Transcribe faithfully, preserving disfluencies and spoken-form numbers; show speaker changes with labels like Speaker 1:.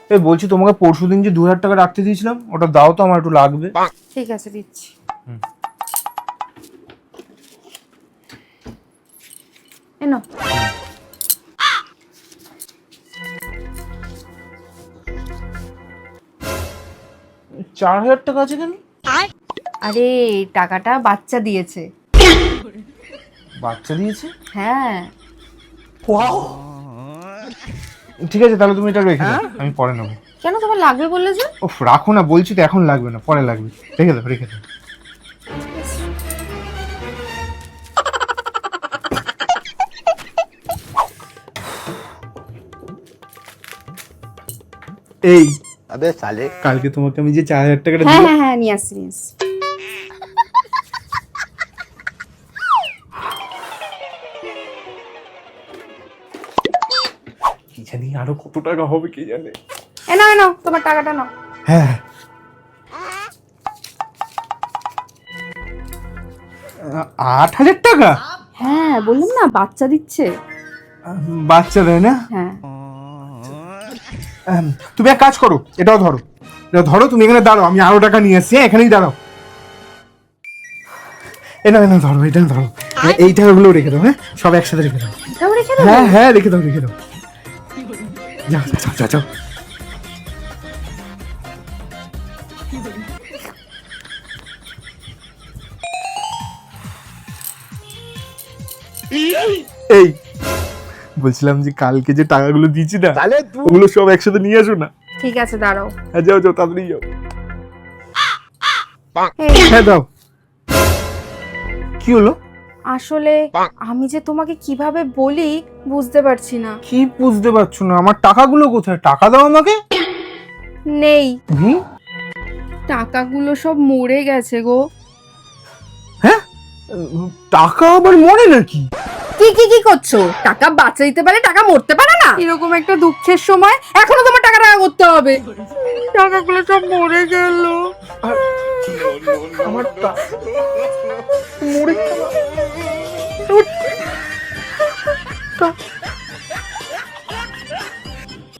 Speaker 1: এই বলছি তোমাকে পরশুদিন যে দু হাজার টাকা রাখতে দিয়েছিলাম ওটা দাও তো, আমার একটু লাগবে।
Speaker 2: ঠিক আছে দিচ্ছি। এনো।
Speaker 1: চার হাজার টাকা আছে কেন?
Speaker 2: আরে টাকাটা বাচ্চা দিয়েছে।
Speaker 1: বাচ্চা দিয়েছে?
Speaker 2: হ্যাঁ।
Speaker 1: ঠিক আছে তাহলে তুমি এটা রেখে দাও, আমি পরে নেবো।
Speaker 2: কেন, তোমার লাগবে বললে যে?
Speaker 1: ওফ রাখো না, বলছি তো এখন লাগবে না, পরে লাগবে। রেখে দাও রেখে দাও। এই
Speaker 3: अबे साले
Speaker 1: কালকে তোমাকে আমি যে চার হাজার টাকাটা
Speaker 2: হ্যাঁ
Speaker 1: দিলাম,
Speaker 2: হ্যাঁ হ্যাঁ নিয়ে আসছি নিয়ে আসছি।
Speaker 1: কি জানি আরো কত টাকা হবে কে জানে।
Speaker 2: এ নাও নাও তোমার টাকাটা নাও।
Speaker 1: হ্যাঁ আট হাজার টাকা?
Speaker 2: হ্যাঁ বললাম না বাচ্চা দিচ্ছে।
Speaker 1: বাচ্চা দেয় না?
Speaker 2: হ্যাঁ।
Speaker 1: আম, তুমি এক কাজ করো, এটাও ধরো, এটা ধরো, তুমি এখানে দাঁড়াও, আমি আরো টাকা নিয়ে আসছি, হ্যাঁ, এখানেই দাঁড়াও। এ না না ধরো, এটা ধরো, এ- এই টাকাগুলো রেখে দাও, হ্যাঁ সব একসাথে রেখে দাও।
Speaker 2: এটাও রেখে দাও।
Speaker 1: হ্যাঁ হ্যাঁ রেখে দাও রেখে দাও। যাও যাও যাও যাও। এই বলছিলাম যে কালকে যে টাকাগুলো দিয়েছি না,
Speaker 3: साले तू
Speaker 1: ওগুলো সব একসাথে নিয়ে আসো না।
Speaker 2: ঠিক আছে দাঁড়াও।
Speaker 1: হ্যাঁ যাও যাও তাড়াতাড়ি যাও।
Speaker 2: এই,
Speaker 1: হ্যাঁ দাও। কি হলো?
Speaker 2: আসলে আমি যে তোমাকে কিভাবে বলি বুঝতে পারছি না।
Speaker 1: কি বুঝতে পারছো না? আমার টাকাগুলো কোথায়? টাকা দাও আমাকে।
Speaker 2: নেই,
Speaker 1: হুম?
Speaker 2: টাকাগুলো সব মরে গেছে গো।
Speaker 1: হ্যাঁ টাকা আবার মরে নাকি?
Speaker 2: কি কি কি করছো? টাকা বাঁচাইতে পারে, টাকা মরতে পারে না? এরকম একটা দুঃখের সময় এখনো তোমার টাকা টাকা করতে হবে। টাকাগুলো সব মরে গেল।
Speaker 1: আমার টা- মরে গেল।